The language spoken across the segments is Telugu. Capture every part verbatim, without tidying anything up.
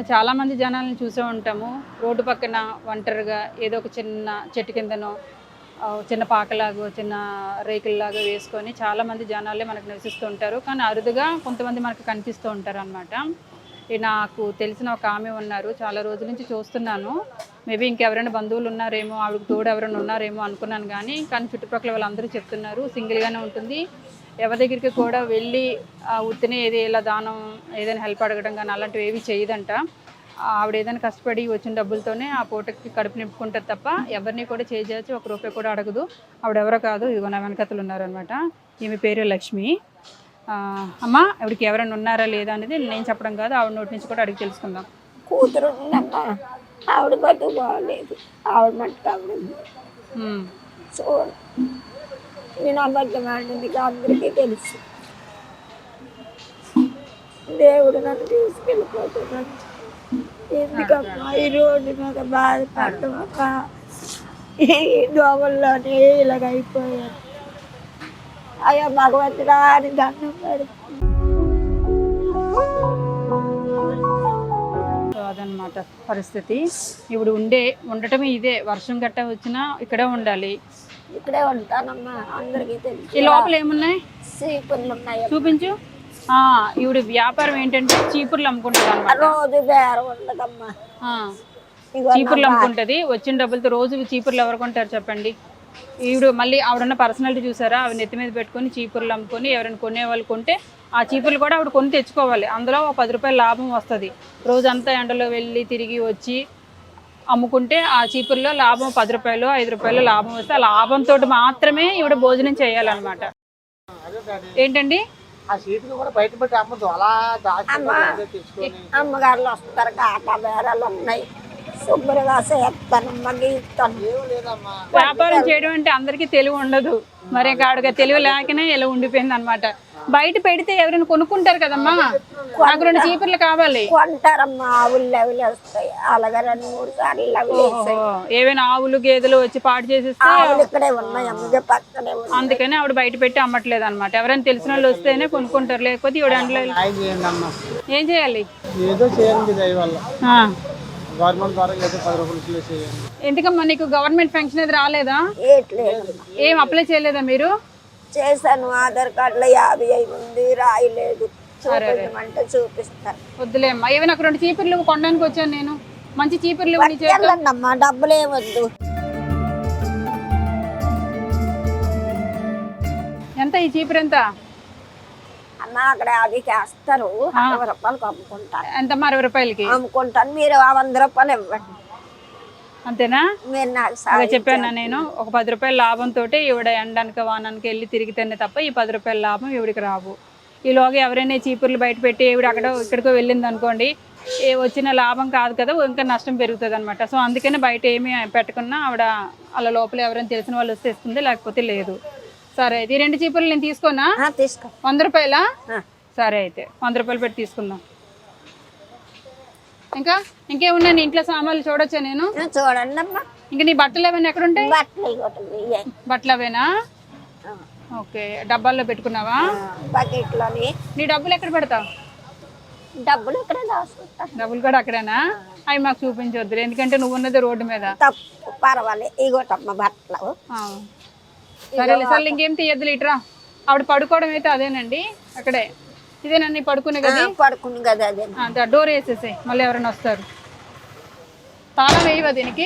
మనం చాలామంది జనాలను చూసే ఉంటాము. రోడ్డు పక్కన ఒంటరిగా ఏదో ఒక చిన్న చెట్టు కిందనో చిన్న పాకలాగో చిన్న రేకుల్లాగా వేసుకొని చాలామంది జనాలే మనకు నివసిస్తూ ఉంటారు. కానీ అరుదుగా కొంతమంది మనకు కనిపిస్తూ ఉంటారు అనమాట. నాకు తెలిసిన ఒక ఆమె ఉన్నారు, చాలా రోజుల నుంచి చూస్తున్నాను. మేబీ ఇంకెవరైనా బంధువులు ఉన్నారేమో, ఆవిడకి తోడు ఎవరైనా ఉన్నారేమో అనుకున్నాను. కానీ కానీ చుట్టుపక్కల వాళ్ళందరూ చెప్తున్నారు సింగిల్గానే ఉంటుంది, ఎవరి దగ్గరికి కూడా వెళ్ళి ఉత్తినే ఏది ఇలా దానం ఏదైనా హెల్ప్ అడగడం కానీ అలాంటివి ఏవి చేయదంట. ఆవిడ ఏదైనా కష్టపడి వచ్చిన డబ్బులతోనే ఆ పూటకి కడుపు నింపుకుంటుంది తప్ప ఎవరిని కూడా చేసి ఒక రూపాయి కూడా అడగదు. ఆవిడెవరో కాదు, ఇదిగో నా వెనకతలు ఉన్నారనమాట. ఈమె పేరు లక్ష్మి. అమ్మ, ఆవిడకి ఎవరైనా ఉన్నారా లేదా అనేది నేను చెప్పడం కాదు, ఆవిడ నోటి నుంచి కూడా అడిగి తెలుసుకుందాం. కూతురు ఉందమ్మా, ఆవిడ బతుకు బాగలేదు, ఆవిడ మట్టుకు ఆవిడ సో నేను అబద్ధం ఆడింది అందరికీ తెలుసు. దేవుడు నన్ను తీసుకెళ్ళిపోతున్నాడు. ఎందుకమ్మా ఈ రోడ్డు మీద బాధపడటమక్క, ఈ దోమల్లోనే ఇలాగ అయిపోయాను. అయ్యా భగవంతుడా అని దండం పెడుతుంది. అదనమాట పరిస్థితి. ఇప్పుడు ఉండే ఉండటమే ఇదే, వర్షం గట్ట వచ్చినా ఇక్కడే ఉండాలి. ఇక్కడే ఉంటానమ్మా, అందరికీ తెలుసు. ఈ లోపల ఏమున్నాయి? చీపుర్లు ఉన్నాయి, చూపించు. ఈవిడ వ్యాపారం ఏంటంటే చీపుర్లు అమ్ముకుంటుంది అనమాట. రోజు బేరం ఉండదమ్మా, చీపుర్లు అమ్ముకుంటుంది. వచ్చిన డబ్బులతో రోజు చీపుర్లు ఎవరు కొంటారు చెప్పండి? ఈవిడ మళ్ళీ ఆవిడన్న పర్సనాలిటీ చూసారా, ఆవిడ నెత్తి మీద పెట్టుకొని చీపుర్లు అమ్ముకొని ఎవరైనా కొనే వాళ్ళు కొంటే ఆ చీపుర్లు కూడా ఆవిడ కొని తెచ్చుకోవాలి. అందులో ఒక పది రూపాయలు లాభం వస్తుంది. రోజంతా ఎండలో వెళ్ళి తిరిగి వచ్చి అమ్ముకుంటే ఆ చీపుర్లో లాభం పది రూపాయలు ఐదు రూపాయలు లాభం వస్తే ఆ లాభంతో మాత్రమే ఈవిడ భోజనం చేయాలన్నమాట. ఏంటండి అమ్మగారులు వస్తారు, కాకా బేరాలు ఉన్నాయి, శుభ్రంగా చేస్తాను. వ్యాపారం చేయడం అంటే అందరికీ తెలివి ఉండదు, మరి కాడుగా తెలివి లేకనే ఇలా ఉండిపోయింది అనమాట. బయట పెడితే ఎవరైనా కొనుక్కుంటారు కదమ్మా, నాకు రెండు చీపుర్లు కావాలి. కొంటారమ్మా, ఆవులు అవిలు వస్తాయి, అలాగే రెండు మూడు సార్లు ఏవైనా ఆవులు గేదెలు వచ్చి పాటు చేసేస్తే ఇక్కడే ఉన్నాయి, అమ్మగా పక్కనే. అందుకని ఆవిడ బయట పెట్టి అమ్మట్లేదు అనమాట. ఎవరైనా తెలిసిన వాళ్ళు వస్తేనే కొనుక్కుంటారు, లేకపోతే ఈవిడ అంట్లో ఏం చేయాలి? ఎందుకమ్మా నీకు గవర్నమెంట్ పెన్షన్ అది రాలేదా? ఏం అప్లై చేయలేదా మీరు? చేశాను, ఆధార్ కార్డులో యాభై ఐదు ఉంది, రాయలేదు. చూపించమంటే చూపిస్తాను. వద్దులేమ్మా, ఏవి నాకు రెండు చీపుర్లు కొనడానికి వచ్చాను నేను. మంచి చీపుర్లు అమ్మా, డబ్బులు ఏమొద్దు. ఎంత ఈ చీపురు ఎంత అమ్మా? అక్కడ అది చేస్తారు, అరవై రూపాయలకి అమ్ముకుంటాను. ఎంతమ్మా? అరవై రూపాయలకి అమ్ముకుంటాను, మీరు వంద రూపాయలు ఇవ్వండి. అంతేనా? మీరు నాకు చెప్పాను నేను, ఒక పది రూపాయల లాభంతో ఈవిడ ఎండనక వానానికి వెళ్ళి తిరిగితేనే తప్ప ఈ పది రూపాయల లాభం ఈవిడికి రావు. ఈలోగా ఎవరైనా చీపుర్లు బయట పెట్టి ఈవిడ అక్కడ ఇక్కడికో వెళ్ళింది అనుకోండి, ఏ వచ్చిన లాభం కాదు కదా, ఇంకా నష్టం పెరుగుతుంది అనమాట. సో అందుకని బయట ఏమీ పెట్టకున్నా ఆవిడ అలా లోపల ఎవరైనా తెలిసిన వాళ్ళు వస్తే ఇస్తుంది, లేకపోతే లేదు. సరే అయితే ఈ రెండు చీపుర్లు నేను తీసుకోనా? తీసుకో. వంద రూపాయలా? సరే అయితే వంద రూపాయలు పెట్టి తీసుకుందాం. ఇంకా ఇంకేమున్నా నీ ఇంట్లో సామాన్లు చూడొచ్చా నేను? చూడండి అమ్మా. ఇంకా నీ బట్టలు ఏమైనా ఎక్కడ ఉంటాయి? బట్టలు అవేనా? ఓకే, డబ్బాల్లో పెట్టుకున్నావా? బకెట్లోని. నీ డబ్బులు ఎక్కడ పెడతావు? డబ్బులు ఇక్కడ దాచుకుంటా. డబ్బులు కూడా అక్కడేనా? అవి మాకు చూపించవద్దు, ఎందుకంటే నువ్వు ఉన్నది రోడ్డు మీద. తప్పు, పర్వాలేదు. ఇగోటమ్మ బట్టలు. సరే సరే, ఇంకేం తీయద్దు. ఇట్రా, ఆవిడ పడుకోవడం అయితే అదేనండి, అక్కడే. ఇదేనండి పడుకునే కదా? పడుకుని కదా, అదే. డోర్ వేసేసాయి, మళ్ళీ ఎవరైనా వస్తారు. తాళం వేయవా దీనికి?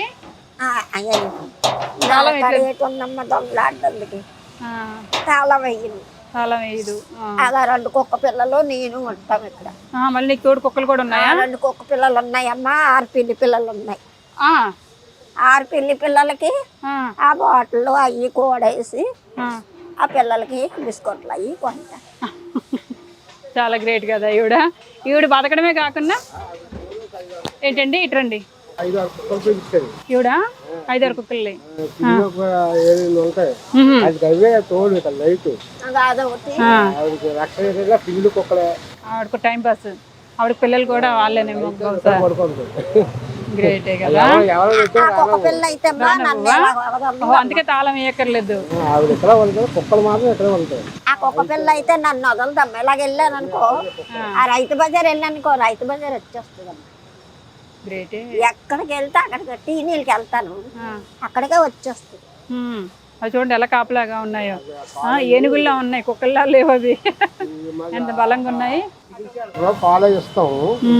తాళం దొంగలాడడానికి తాళం వేయదు. తాళం వేయదు. అలా రెండు కుక్క పిల్లలు నేను ఉంటాం ఇక్కడ. మళ్ళీ నీకు తోడు కుక్కలు కూడా ఉన్నాయా? రెండు కుక్క పిల్లలు ఉన్నాయమ్మా, ఆరు పిల్లి పిల్లలు ఉన్నాయి. ఆరు పిల్లి పిల్లలకి ఆ బాటిల్ అవి కూడేసి ఆ పిల్లలకి బిస్కెట్లు అవి కొంటా. చాలా గ్రేట్ కదా ఈవిడ. ఈవిడ బతకడమే కాకుండా ఏంటండి ఇట్రండి, ఈవిడ ఐదారు కుక్కలు ఆవిడకు టైం పాస్. ఆవిడ పిల్లలు కూడా వాళ్ళేనేమో. గ్రేటే కదా. అందుకే తాళం వేయక్కర్లేదు. ఆ కుక్క పిల్ల అయితే నన్ను వదలదమ్మా. ఇలాగ వెళ్ళాను అనుకో, ఆ రైతు బజార్ వెళ్ళానుకో, రైతు బజార్ వచ్చేస్తుంది. గ్రేటే. ఎక్కడికి వెళ్తే అక్కడికి టీ నీళ్ళకి వెళ్తాను, అక్కడికే వచ్చేస్తుంది. అవి చూడండి ఎలా కాపలాగా ఉన్నాయో. ఆ, ఏనుగుల్లా ఉన్నాయి, కుక్కల్లా లేవు అవి. ఎంత బలంగా ఉన్నాయి. పాలు ఇస్తాము.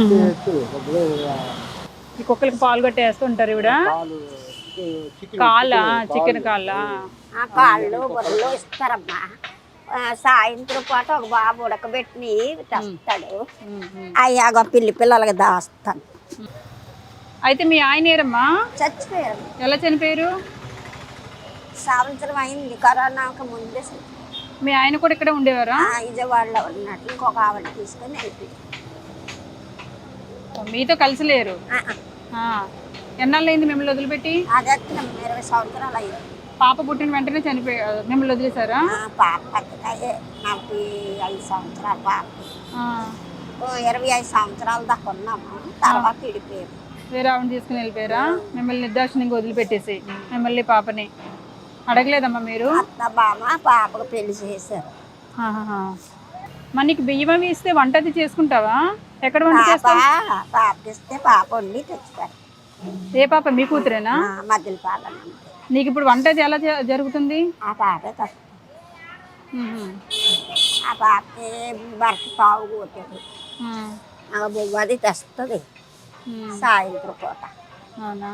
ఈ కుక్కలకి పాలు కొట్టేస్తూ ఉంటారు ఇవిడ. కాళ్ళ చికెన్ కాళ్ళ ఆ కాళ్ళు బొర్రలు ఇస్తారమ్మా. ఆ, సాయంత్రం పూట ఒక బాబు ఉడకబెట్టి తెస్తాడు, అయ్యాగ పిల్లి పిల్లలకి దాస్తాను. అయితే మీ ఆయన ఏరమ్మా చచ్చిపోయారు. ఎలా చనిపోయారు? సంవత్సరం అయింది, కరోనాకు ముందే. మీ ఆయన కూడా ఇక్కడ ఉండేవారా? విజయవాడలో ఉన్నాడు, ఇంకొక ఆవిడ తీసుకొని వెళ్ళిపోయి. మీతో కలిసి లేరు? ఎన్నాళ్ళు అయింది మిమ్మల్ని వదిలిపెట్టి? అదే ఇరవై సంవత్సరాలు అయింది. పాప పుట్టిన వెంటనే చనిపోయి మిమ్మల్ని వదిలేశారా? పాప పెద్దగా నలభై ఐదు సంవత్సరాలు పాప. ఇరవై ఐదు సంవత్సరాల దాకా ఉన్నాము, తర్వాత విడిపోయారు. వేరే ఆవిడ తీసుకుని వెళ్ళిపోయారా? మిమ్మల్ని నిర్దాక్షిణ్యంగా వదిలిపెట్టేసి మిమ్మల్ని పాపని అడగలేదమ్మా మీరు? అత్త బామ పాపకు పెళ్లి చేశారు. మరి నీకు బియ్యం అవి ఇస్తే వంట అది చేసుకుంటావా? ఎక్కడ వంట చేస్తావా? పాపకి ఇస్తే పాప వండి తెచ్చుతారు. ఏ పాప? మీ కూతురేనా? మధ్యలో పాలన. నీకు ఇప్పుడు వంట అది ఎలా జరుగుతుంది? ఆ పాపే తక్కువ. ఆ పాపకి భర్త తాగుపోతుంది, అది తెస్తుంది సాయంత్రం పూట. అవునా?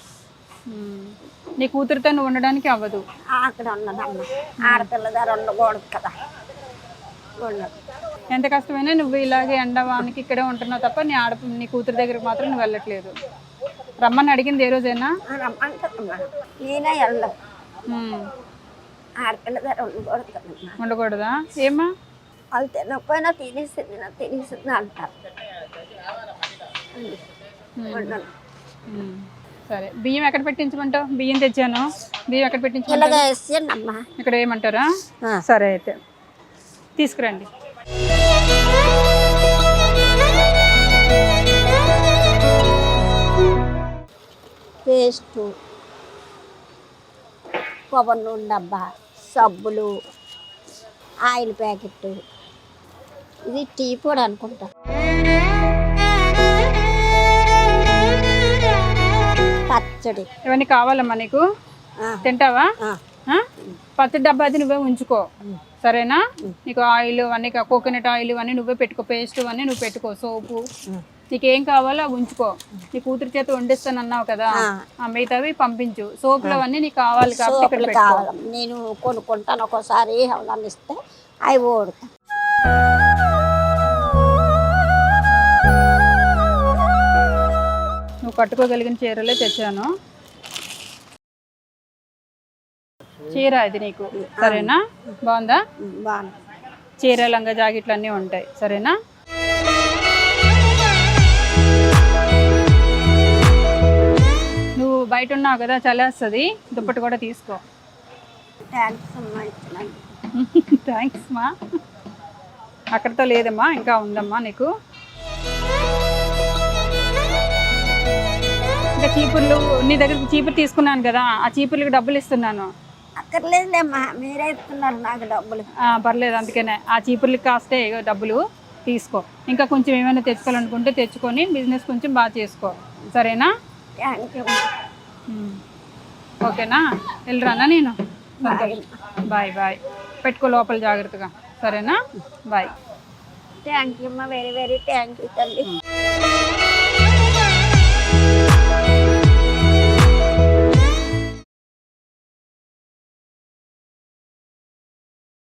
నీ కూతురుతో నువ్వు ఉండడానికి అవ్వదు? అక్కడ ఉన్నదమ్మ, ఆడపిల్ల దగ్గర ఉండకూడదు కదా, ఉండదు. ఎంత కష్టమైనా నువ్వు ఇలాగే ఎండవానికి ఇక్కడే ఉంటున్నావు తప్ప నీ ఆడ నీ కూతురు దగ్గరికి మాత్రం నువ్వు వెళ్ళట్లేదు. రమ్మని అడిగింది ఏ రోజైనా? రమ్మంటుందమ్మా, నేనే వెళ్ళదు. ఆడపిల్ల దగ్గర ఉండకూడదు కదమ్మా. ఉండకూడదా? ఏమ్మా? వాళ్ళు తినకపోయినా తినేసింది, నా తినేసింది అంటారు. సరే, బియ్యం ఎక్కడ పెట్టించమంటావు? బియ్యం తెచ్చాను, బియ్యం ఎక్కడ పెట్టించమంటావు? ఇక్కడ ఏమంటారా? సరే అయితే తీసుకురండి. పేస్టు, కొబ్బరి నూనె డబ్బా, సబ్బులు, ఆయిల్ ప్యాకెట్, ఇది టీ పొడి అనుకుంటా. పచ్చడి ఇవన్నీ కావాలమ్మా నీకు? తింటావా? పచ్చడి డబ్బా అది నువ్వే ఉంచుకో, సరేనా? నీకు ఆయిల్ అన్నీ, కోకోనట్ ఆయిల్ ఇవన్నీ నువ్వే పెట్టుకో, పేస్ట్ అన్నీ నువ్వు పెట్టుకో, సోపు నీకేం కావాలో అవి ఉంచుకో. నీ కూతురు చేత వండిస్తాను అన్నావు కదా, ఆ మిగతావి పంపించు. సోపులు అవన్నీ నీకు కావాలి కాబట్టి కావాలి, నేను కొనుక్కుంటాను. ఒక్కోసారి ఎవరన్నా ఇస్తే అవి ఓడుతా. నువ్వు కట్టుకోగలిగిన చీరలే తెచ్చాను. చీర ఇది నీకు, సరేనా? బాగుందా? బాగుంది. చీర, లంగా, జాకెట్లు అన్నీ ఉంటాయి, సరేనా? నువ్వు బయట ఉన్నావు కదా, చలేస్తుంది, దుప్పటి కూడా తీసుకో. థ్యాంక్స్ మా. అక్కడితో లేదమ్మా, ఇంకా ఉందమ్మా నీకు. ఇంకా చీపుర్లు, నీ దగ్గర చీపురు తీసుకున్నాను కదా, ఆ చీపుర్లకు డబ్బులు ఇస్తున్నాను. అక్కర్లేదులేమ్మా, మీరే ఇస్తున్నారు నాకు డబ్బులు. పర్లేదు, అందుకనే ఆ చీపుర్లకి కాస్తే డబ్బులు తీసుకో. ఇంకా కొంచెం ఏమైనా తెచ్చుకోవాలనుకుంటే తెచ్చుకొని బిజినెస్ కొంచెం బాగా చేసుకో, సరేనా? Thank you. ఓకేనా? వెళ్ళరానా నేను? Bye bye. పెట్టుకో లోపల జాగ్రత్తగా, సరేనా? బాయ్. థ్యాంక్ యూ అమ్మా, వెరీ వెరీ థ్యాంక్ యూ తల్లి.